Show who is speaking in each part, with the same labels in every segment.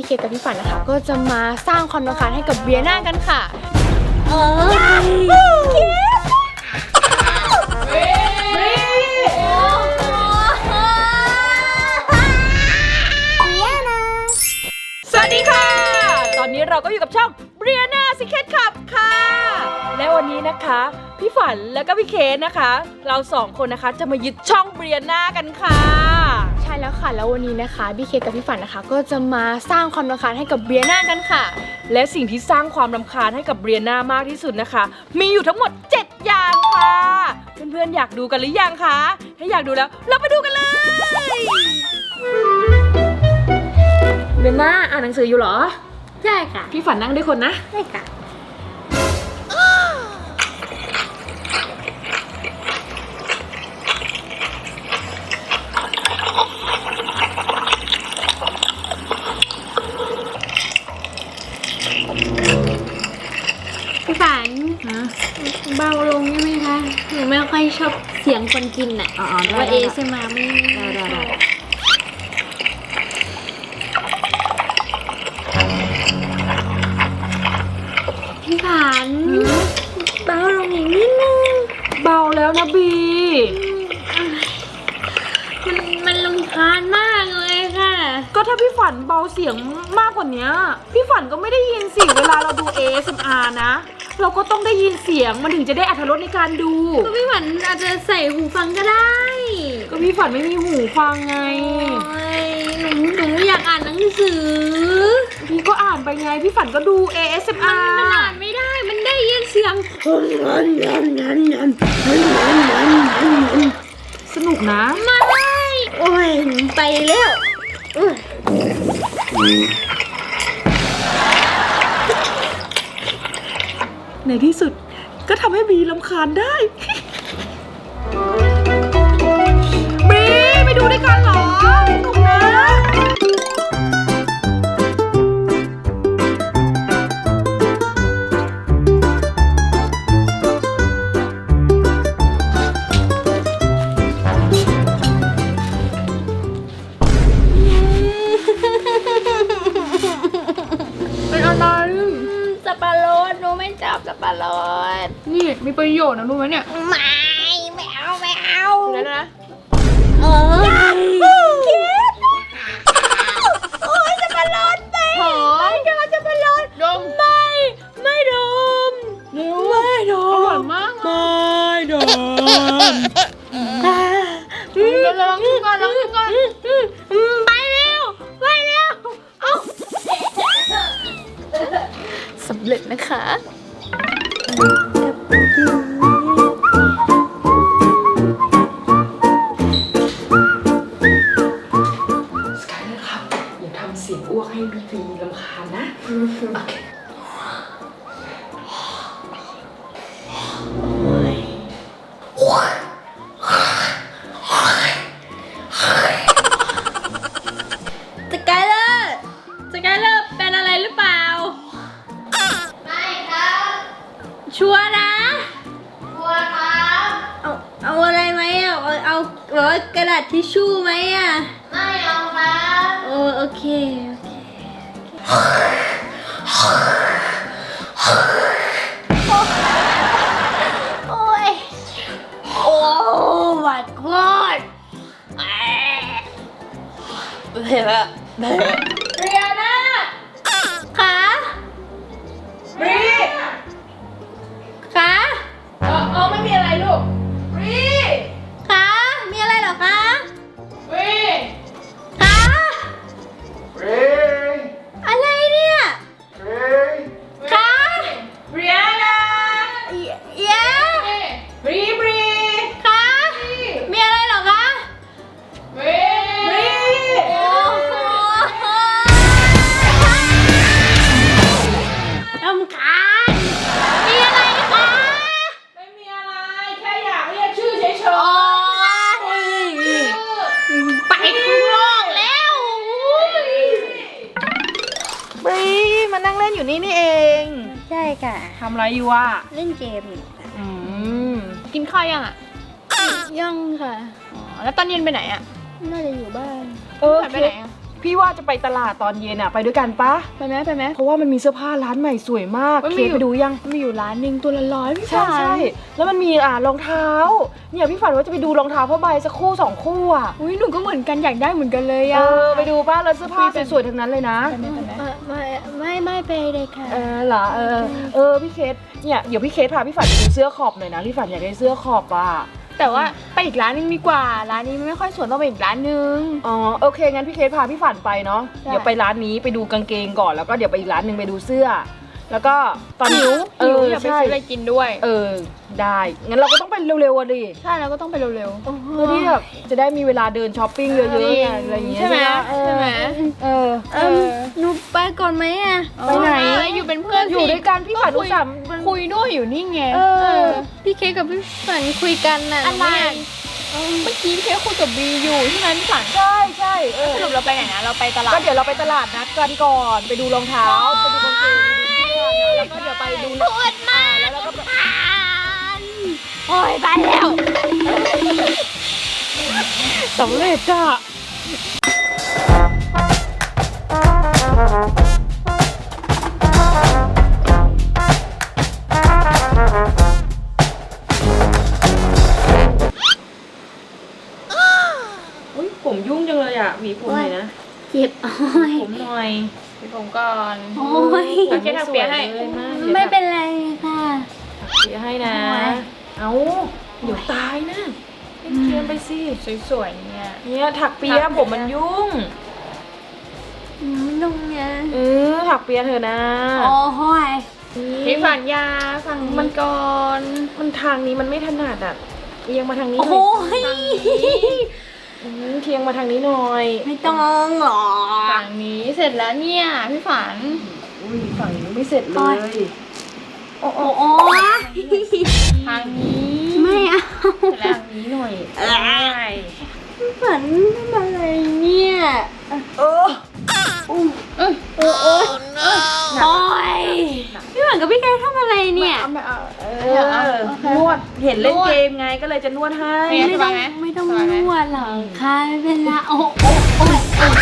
Speaker 1: พี่เคกับพี่ฝันนะคะก็จะมาสร้างความรำคาญให้กับเบียน่ากันค่ะสวัสดีค่ะตอนนี้เราก็อยู่กับช่องเบียน่าซิกเก็ตขับค่ะและวันนี้นะคะพี่ฝันแล้วก็พี่เคนะคะเราสองคนนะคะจะมายึดช่องเบียน่ากันค่ะใช่แล้วค่ะแล้ววันนี้นะคะพี่เคกับพี่ฝันนะคะก็จะมาสร้างความรำคาญให้กับเบียน่ากันค่ะและสิ่งที่สร้างความรำคาญให้กับเบียน่ามากที่สุดนะคะมีอยู่ทั้งหมด7อย่างค่ะเพื่อนๆอยากดูกันหรือยังคะถ้าอยากดูแล้วเราไปดูกันเลยเบียน่าอ่านหนังสืออยู่เหรอ
Speaker 2: ใช่ค่ะ
Speaker 1: พี่ฝันนั่งด้วยคนนะ
Speaker 2: ใช่ค่ะพี่ฝันเบาลงได้ไหมคะหนูไม่ค่อยชอบเสียงคนกินอ่ะว่าใช่ไหมไม่ได้พี่ฝันเบาลงอีกนิดนึง
Speaker 1: เบาแล้วนะบี
Speaker 2: มันรำคาญมากเลยค่ะ
Speaker 1: ก็ถ้าพี่ฝันเบาเสียงมากกว่านี้พี่ฝันก็ไม่ได้ยินเสียงเวลาเราดู ASMR นะเราก็ต้องได้ยินเสียงมันถึงจะได้อรรถรสในการดู
Speaker 2: ก็พี่ฝันอาจจะใส่หูฟังก็ได้
Speaker 1: ก็พี่ฝันไม่มีหูฟังไง
Speaker 2: หนูอยากอ่านหนังสือ
Speaker 1: พี่ก็อ่านไปไงพี่ฝันก็ดู ASMR
Speaker 2: มันอ่านไม่ได้มันได้ยินเสียง
Speaker 1: สนุกนะ
Speaker 2: ไม่โอ้ยไปแล้ว
Speaker 1: ในที่สุดก็ทำให้บีรำคาญได้บีไปดูด้วยกันเหรอสนุกนะเป็นอะไร
Speaker 2: สับปะรดหนูไม่จับสับปะรด
Speaker 1: นี่มีประโยชน์นะรู้ไหมเนี่ย
Speaker 2: ไม่เอา
Speaker 1: แล้วนะ
Speaker 2: โอ้ยสับปะรดไปไม่โดนสับปะรด
Speaker 1: ดม
Speaker 2: ไม่โดน
Speaker 1: ไม่โดนอร่อยมากไม่โดนลองกินก่อน
Speaker 2: ไปเร็วเอาสำเร็จนะคะ
Speaker 1: สกายนะครับอย่าทำเสียงอ้วกให้บีรำคาญนะโอเค
Speaker 2: สกายเลอร์เป็นอะไรหรือเปล่าไม่ครับชัวร์นะชัวร์ครับเอาอะไรไหมเอากระดาษทิชชู่ไหมอ่ะไม่เอาครับโอเคโอ้ยโอ้ my god เรียนาคะ
Speaker 1: บรี
Speaker 2: คะ
Speaker 1: ไม่มีอะไรลูกบรี
Speaker 2: คะมีอะไรเหรอคะ
Speaker 1: บรี
Speaker 2: คะ
Speaker 1: บรี
Speaker 2: อะไรเนี่ยคะ
Speaker 1: บรีนา
Speaker 2: เย้
Speaker 1: บรี
Speaker 2: คะมีอะไรเหรอคะ
Speaker 1: บรี
Speaker 2: โอ้โหรำคาญมีอะไรคะ
Speaker 1: ไม่มีอะไรแค่อยากเรียกชื่อเฉย
Speaker 2: ไปข้างนอกแล้ว
Speaker 1: บรีมานั่งเล่นอยู่นี่เอง
Speaker 2: ใช่ค่ะ
Speaker 1: ทำอะไรอยู่อ่ะ
Speaker 2: เล่นเกมอยู่
Speaker 1: กินข้าวยังอ่ะ
Speaker 2: ยังค่ะ
Speaker 1: แล้วตอนเย็นไปไหนอ่ะ
Speaker 2: น่าจะอยู่บ้าน
Speaker 1: ไปไหนอ่ะพี่ว่าจะไปตลาดตอนเย็นอะไปด้วยกันปะ
Speaker 2: ไปไหมไปไหม
Speaker 1: เพราะว่ามันมีเสื้อผ้าร้านใหม่สวยมาก
Speaker 2: มัน
Speaker 1: เค
Speaker 2: มีอยู่
Speaker 1: ไปดูยัง
Speaker 2: มีอยู่ร้านหนึ่งตัวละ100พี่
Speaker 1: ใช่
Speaker 2: ฝัน
Speaker 1: ใช่แล้วมันมีรองเท้าเนี่ยพี่ฝันว่าจะไปดูรองเท้าผ้าใบสักคู่2 คู่อะ
Speaker 2: อุ้ยหนูก็เหมือนกันอยากได้เหมือนกันเลย
Speaker 1: ไปดูป้าแล้วเสื้อผ้าสวยๆทั้งนั้นเลยนะ
Speaker 2: ไปไหมไม่ไปเลยค่ะ
Speaker 1: เหรอพี่เคสเนี่ยเดี๋ยวพี่เคสพาพี่ฝันไปดูเสื้อขอบหน่อยนะพี่ฝันอยากได้เสื้อขอบอ่ะ
Speaker 2: แต่ว่าไปอีกร้านนึงดีกว่าร้านนี้มันไม่ค่อยสวยต้องไปอีกร้านนึง
Speaker 1: อ๋อโอเคงั้นพี่เคสพาพี่ฝันไปเนาะ
Speaker 2: ได้
Speaker 1: เดี๋ยวไปร้านนี้ไปดูกางเกงก่อนแล้วก็เดี๋ยวไปอีกร้านหนึ่งไปดูเสื้อ แล้วก็ตอน
Speaker 2: หิวอยากไป
Speaker 1: ใช่
Speaker 2: ซื้ออะไรกินด้วย
Speaker 1: ได้งั้นเราก็ต้องไปเร็วๆอ่ะดิ
Speaker 2: ใช่แล้วก็ต้องไปเร็วๆ
Speaker 1: เพื่อที่แบบจะได้มีเวลาเดินช้อปปิ้งเยอะๆไงอะไรอย่างเงี้ย
Speaker 2: ใช่ไหม
Speaker 1: ใช่ไหม
Speaker 2: หนูไปก่อนไหมอ่ะ
Speaker 1: ไปไหน
Speaker 2: อยู่เป็นเพื่อน
Speaker 1: อยู่ด้วยกันพี่ฝันอุตส่าห์
Speaker 2: คุยด้วยอยู่นี่ไงพี่เคกกับพี่ฝันคุยกันน่ะอะไรเมื่อกี้พี่เคกคุยกับบีอยู่ใช่ไหมพี่ฝัน
Speaker 1: ใช่
Speaker 2: สรุปเราไปไหนนะเราไปตลาด
Speaker 1: ก็เดี๋ยวเราไปตลาดนัดกันก่อนไปดูรองเท้าไปดูกางเกงแล้วก็เดี๋ยวไปดู
Speaker 2: ปวดมาก
Speaker 1: แล้วก็
Speaker 2: โอ้ยไปแล้ว
Speaker 1: สำเร็จจ้ะอุ้ยผมยุ่งจังเลยอ่ะหวีผมหน่อยนะ
Speaker 2: เจ็บโอ้ย
Speaker 1: ผมหน่อย
Speaker 2: พี่ผมก่อน
Speaker 1: โอ้ย
Speaker 2: โอเคทำเปียให้
Speaker 1: ไม่
Speaker 2: ไม่เป็นไรค่ะ
Speaker 1: เปียให้นะ
Speaker 2: โอ้ย
Speaker 1: เอาเดี๋ยวตายนะเล่นเกมไปสิ
Speaker 2: สวยๆเนี่ย
Speaker 1: เนี่ยถักเปียผมมันยุ่ง
Speaker 2: นุ่งไง
Speaker 1: ถักเปียเถอะนะ
Speaker 2: โอ้ยพี่ฝันยาฝั่งมันก่อน
Speaker 1: มันทางนี้มันไม่ถนัดอ่ะเอียงมาทางนี้ห
Speaker 2: โอ้
Speaker 1: น่อย
Speaker 2: ย
Speaker 1: เทียงมาทางนี้หน่อย
Speaker 2: ไม่ต้องหรอฝั่งนี้เสร็จแล้วเนี่ยพี่ฝัน
Speaker 1: อุ้ยฝั่งนี้ไม่เสร็จเลย
Speaker 2: โอ้ทางนี้ไม่เอา
Speaker 1: เสร็จแล้วทางนี้หน่อย
Speaker 2: พี่ฝันทำอะไรเนี่ยโอ้ยพี่ฝันกับพี่แกทำอะไรเนี่ย
Speaker 1: นวดเห็นเล่นเกมไงก็เลยจะนวดให้
Speaker 2: ไม่ต้องนวดหรอกค่ะไม่เป็นไรโอ้ย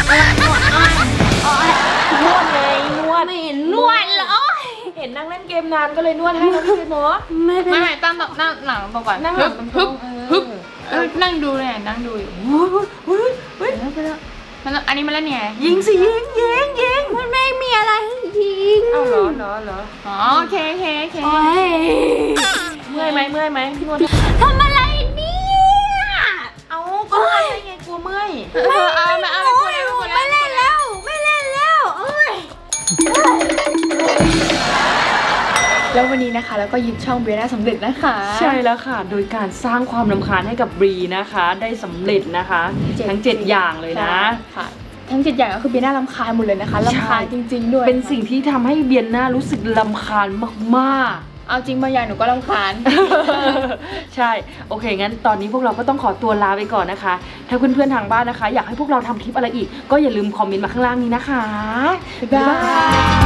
Speaker 1: นวดไงนวด
Speaker 2: ไม่เห็นนวดเหรอ
Speaker 1: เห็นนั่งเล่นเกมนานก็เลยนวดให้แล้วพี่เนาะ
Speaker 2: ไม่เป็นไร
Speaker 3: ไม่ตั้งนั่งหลังตรงก่อน
Speaker 1: นั่งหลัง
Speaker 3: ฮึบ
Speaker 1: ฮึบ
Speaker 3: นั่งดูเลยนั่งดูอยู่
Speaker 1: เฮ้ย
Speaker 3: อันนี้มาแล้วเนี่ย
Speaker 1: ยิงสิยิง
Speaker 2: มันไม่มีอะไรให้ยิง
Speaker 1: เอาเหรอ
Speaker 3: อ๋อโอเค
Speaker 2: โอ้ย
Speaker 1: เมื่อยไหมพี่นวด
Speaker 2: ทำอะไรเนี่ย
Speaker 1: เอาก็ไม่ไงกลัวเมื่อย
Speaker 3: เอาไม่เอาไม่พูดแล้ว
Speaker 2: ไม่เล่นแล้วโอ้ย
Speaker 3: แล้ววันนี้นะคะแล้วก็ยึดช่องเบียร์ได้สำเร็จนะคะ
Speaker 1: ใช่แล้วค่ะ โดยการสร้างความรำคาญให้กับบรีนะคะ ได้สำเร็จนะคะ ทั้ง 7 อย่างเลยนะ
Speaker 3: ค่ะทั้ง7อย่างก็คือเบียร์น่ารำคาญหมดเลยนะคะรำคาญจริงๆด้วย
Speaker 1: เป็นสิ่งที่ทำให้เบียนหน้ารู้สึกรำคาญมาก
Speaker 3: เอาจริงบางอย่างหนูก็รำคาญ
Speaker 1: ๆ ใช่ โอเค งั้นตอนนี้พวกเราก็ต้องขอตัวลาไปก่อนนะคะ ถ้าเพื่อนๆทางบ้านนะคะ อยากให้พวกเราทำคลิปอะไรอีก ก็อย่าลืมคอมเมนต์มาข้างล่างนี้นะคะ
Speaker 3: บ๊ายบาย